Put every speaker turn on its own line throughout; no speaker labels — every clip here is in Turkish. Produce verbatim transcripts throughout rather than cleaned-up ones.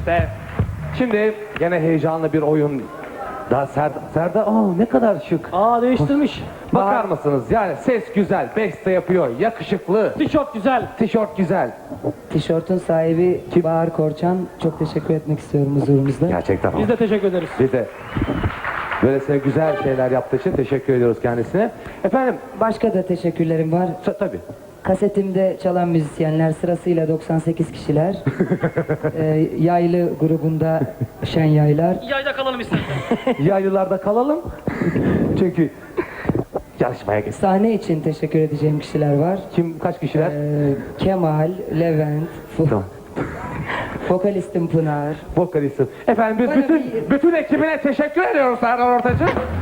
İşte şimdi gene heyecanlı bir oyun. Daha Serdar, Serdar aa ne kadar şık.
Aa değiştirmiş.
Bakar mısınız? Yani ses güzel, beste yapıyor, yakışıklı,
Tişört güzel.
tişört güzel.
Tişörtün sahibi Bahar Korçan. Çok teşekkür etmek istiyorum huzurunuzda.
Gerçekten.
Biz de teşekkür ederiz.
Biz de böylesine güzel şeyler yaptığı için teşekkür ediyoruz kendisine. Efendim,
Başka da teşekkürlerim var.
ta- tabii.
Kasetimde çalan müzisyenler sırasıyla doksan sekiz kişiler. Ee, yaylı grubunda Şen Yaylar.
Yayda kalalım istersen.
Yaylılarda kalalım. Çünkü yarışmaya geçsin.
Sahne için teşekkür edeceğim kişiler var.
Kim, kaç kişiler?
Ee, Kemal, Levent, Fu-
Tamam.
vokalistim Pınar.
Vokalistim. Efendim biz
Bana
bütün
bir-
bütün ekibine teşekkür ediyoruz Serdar Ortaç'ın.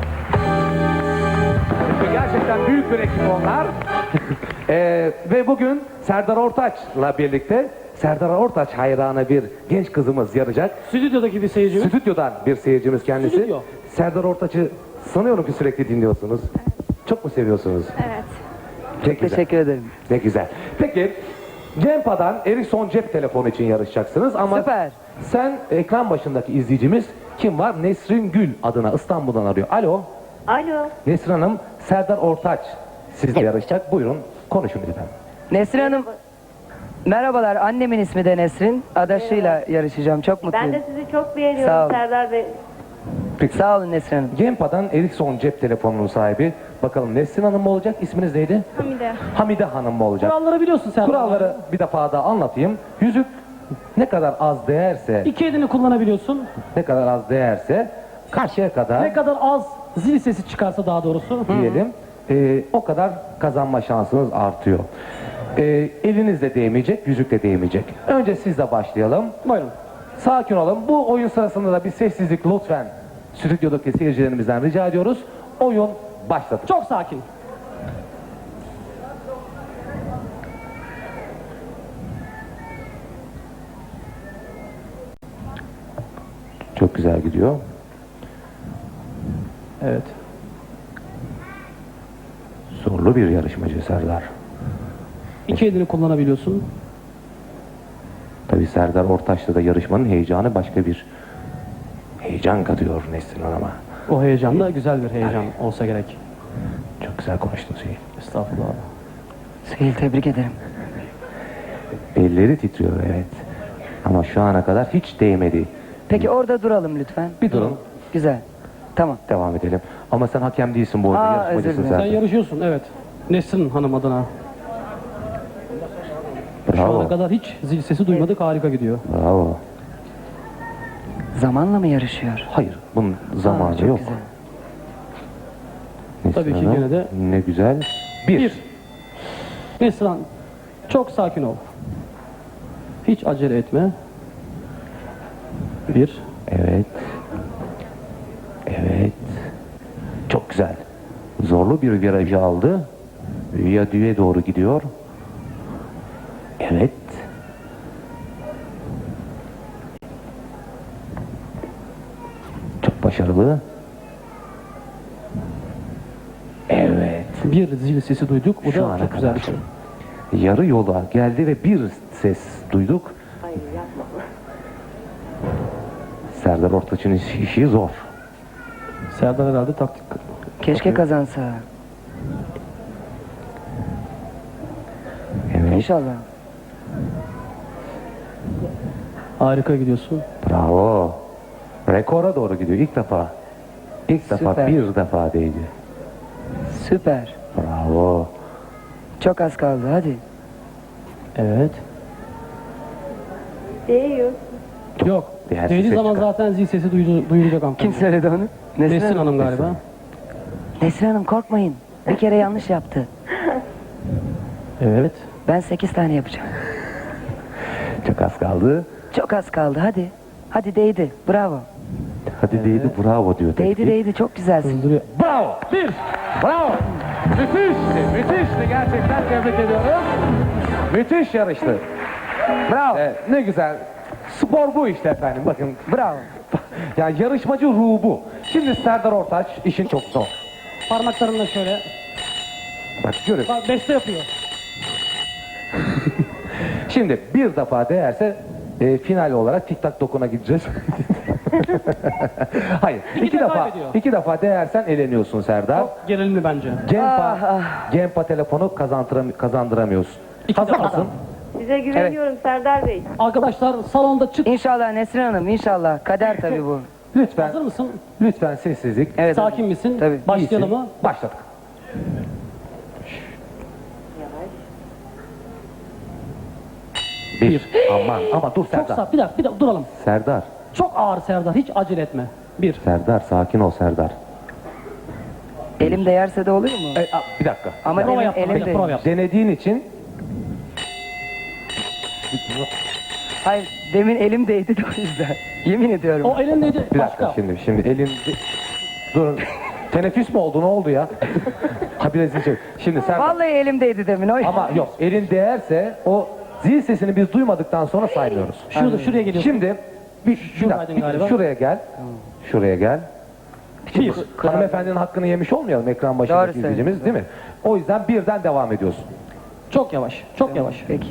Çünkü gerçekten büyük bir ekip onlar. Ee, ve bugün Serdar Ortaç'la birlikte Serdar Ortaç hayranı bir genç kızımız yarayacak.
Stüdyodaki bir seyircimiz.
Stüdyodan bir seyircimiz kendisi.
Stüdyo.
Serdar Ortaç'ı sanıyorum ki sürekli dinliyorsunuz. Çok mu seviyorsunuz?
Evet.
Ne güzel.
Teşekkür ederim.
Ne güzel. Peki Cempa'dan Ericsson cep telefonu için yarışacaksınız ama
Süper.
sen ekran başındaki izleyicimiz kim var? Nesrin Gül adına İstanbul'dan arıyor. Alo.
Alo.
Nesrin Hanım, Serdar Ortaç sizle yarışacak. Buyurun konuşun lütfen.
Nesrin Hanım, merhabalar. Annemin ismi de Nesrin. Adaşıyla yarışacağım. Çok mutluyum.
Ben de sizi çok
Sağ
beğeniyorum
ol.
Serdar Bey.
Peki.
Sağ olun Nesrin Hanım.
Cempa'dan Ericsson cep telefonunun sahibi. Bakalım Nesrin Hanım mı olacak? İsminiz neydi?
Hamide.
Hamide Hanım mı olacak?
Kuralları biliyorsun sen.
Kuralları bir defa daha anlatayım. Yüzük ne kadar az değerse,
İki elini kullanabiliyorsun.
ne kadar az değerse karşıya kadar
Ne kadar az zil sesi çıkarsa daha doğrusu.
diyelim e, o kadar kazanma şansınız artıyor. E, eliniz de değmeyecek, yüzük de değmeyecek. Önce sizle başlayalım.
Buyurun.
Sakin olun. Bu oyun sırasında da bir sessizlik lütfen stüdyodaki seyircilerimizden rica ediyoruz. Oyun başladı.
Çok sakin.
Çok güzel gidiyor.
Evet.
Zorlu bir yarışmacı Serdar.
İki elini kullanabiliyorsun.
Tabii Serdar Ortaç'ta da yarışmanın heyecanı başka bir heyecan katıyor Nesrin Hanım'a.
O heyecan da güzel bir heyecan olsa gerek.
Çok güzel konuştun Hüseyin.
Estağfurullah.
Süheyl, tebrik ederim.
Elleri titriyor evet. Ama şu ana kadar hiç değmedi.
Peki orada duralım lütfen.
Bir durun.
Güzel. Tamam.
Devam edelim. Ama sen hakem değilsin bu oyunda.
Aa,
Yarışmacısın
özür
Sen
sen.
yarışıyorsun evet. Nesrin Hanım adına. Şu ana
Bravo.
kadar hiç zil sesi duymadık, harika gidiyor.
Bravo.
Zamanla mı yarışıyor?
Hayır. Bunun zamanı
Aa, çok
yok.
güzel.
Nesrin
Tabii ki
Hanım,
gene de-
ne güzel. Bir.
Bir. Nesrin Hanım, çok sakin ol. Hiç acele etme. Bir.
Evet. Evet. Çok güzel. Zorlu bir virajı aldı. Viyadüğe doğru gidiyor. Evet. Çok başarılı. Evet.
Bir zil sesi duyduk. Bu
Şu
da
ana
çok güzel
kadar.
bir şey.
Yarı yola geldi ve bir ses duyduk.
Hayır yapma.
Serdar Ortaç'ın iş- işi zor.
Serdar herhalde taktik.
Keşke kazansa.
Evet.
İnşallah.
Harika gidiyorsun.
Bravo. Rekora doğru gidiyor ilk defa. İlk defa
Süper.
bir defa değdi.
Süper.
Bravo.
Çok az kaldı hadi.
Evet.
Değiyor.
Yok.
Değersiz
Dediği
ses
zaman
çıkar.
zaten zil sesi duydu, duyulacak hanımefendi.
Kim söyledi onu?
Nesrin Hanım galiba.
Nesrin.
Nesrin Hanım korkmayın. Bir kere yanlış yaptı.
Evet.
Ben sekiz tane yapacağım.
Çok az kaldı.
Çok az kaldı hadi. Hadi değdi. Bravo.
Hadi değdi bravo diyor.
Değdi
teknik.
değdi çok güzelsin.
Hızlandırıyor.
Bravo.
Bir.
Bravo. Müthişti. Müthişti. Gerçekten tebrik ediyorum. Müthiş yarıştı.
Bravo.
Evet, ne güzel. Spor bu işte efendim. Bakın.
Bravo.
Yani yarışmacı ruhu bu. Şimdi Serdar Ortaç işin çok zor.
Parmaklarınla şöyle.
Bak görün.
Bak beste yapıyor.
Şimdi bir defa değerse e, final olarak tik tak dokuna gideceğiz. Hayır.
İki
iki
de
defa
kaybediyor.
iki defa değersen eleniyorsun Serdar.
Çok gerilimli bence.
Cempa,
Ah,
Cempa telefonu kazandıram kazandıramıyorsun.
İki
Hazır
defa.
mısın?
Size güveniyorum Serdar Bey.
Arkadaşlar salonda çık.
İnşallah Nesrin Hanım, inşallah. Kader tabii bu.
Lütfen,
Hazır mısın?
lütfen sessizlik.
Evet.
Sakin misin?
Tabii.
Başlayalım
İyisin.
mı?
Başladık. Bir. Aman ama dur
Çok
Serdar.
sağ. Bir dakika, bir dakika duralım.
Serdar.
Çok ağır Serdar. Hiç acele etme. Bir.
Serdar sakin ol Serdar.
Elim değerse de oluyor mu?
E, a, bir dakika.
Ama
Prova
demin
yap. Bir
elim
dakika, prova
değdi.
yap.
Denediğin için
Hayır, demin elim değdi de o yüzden. Yemin ediyorum.
O elindeydi.
bir dakika
Başka.
şimdi şimdi elin durun. Teneffüs mü oldu ne oldu ya? Ha biraz şey. Şimdi Serdar.
Vallahi elim değdi demin. O
Ama yok elin değerse o zil sesini biz duymadıktan sonra saymıyoruz.
Şurada, şuraya geliyorsun.
Şimdi bir, bir
Şuradaydın
dakika,
galiba.
şuraya gel. Şuraya gel.
Bir.
Hanımefendinin hakkını yemiş olmayalım ekran başındaki
Doğru
izleyicimiz değil mi? O yüzden birden devam ediyorsun.
Çok yavaş. Çok yavaş.
Peki.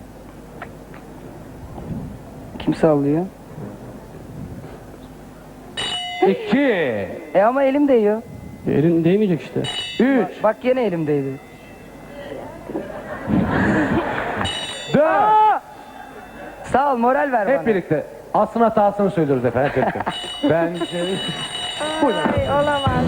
Kim sallıyor?
İki,
E ama elim değiyor.
Elin değmeyecek işte.
üç,
Bak gene elim değdi.
dört.
Sağ ol, moral ver
Hep
bana.
birlikte aslında hatasını söylüyoruz efendim. Hep birlikte. Ben
Ay, olamaz.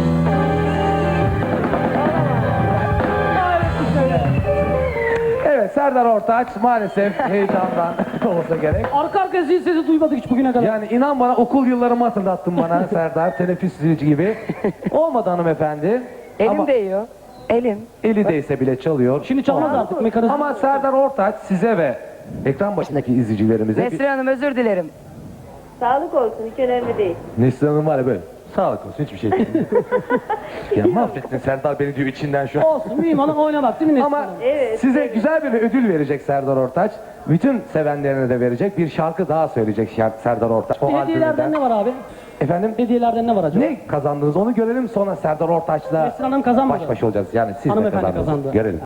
Evet Serdar Ortaç maalesef heyecandan olsa gerek.
Arka arka zil sesi duymadık hiç bugüne kadar.
Yani inan bana okul yıllarımı hatırlattın bana Serdar. Teneffüs zilci gibi. Olmadı hanımefendi.
Elim
Ama
değiyor. Elim.
eli değse bile çalıyor.
Şimdi çalmaz artık mekanizma.
Ama Serdar Ortaç size ve ekran başındaki izleyicilerimize bir...
Nesrin Hanım özür dilerim.
Sağlık olsun, hiç önemli değil.
Neslihan Hanım var ya böyle. Sağlık olsun hiçbir şey değil. Ya mahvettin Serdar beni diyor içinden şu an.
Olsun mühim olan oynamak değil mi Neslihan
Ama
Hanım?
Evet,
size
evet.
güzel bir ödül verecek Serdar Ortaç. Bütün sevenlerine de verecek. Bir şarkı daha söyleyecek şarkı Serdar Ortaç. O
Hediyelerden
albümünden.
ne var abi?
Efendim
Hediyelerden ne var acaba?
ne kazandınız onu görelim sonra Serdar Ortaç'la
Neslihan Hanım kazanmadı.
baş başa olacağız. Yani siz de
Hanımefendi
kazandınız.
kazandı.
Görelim.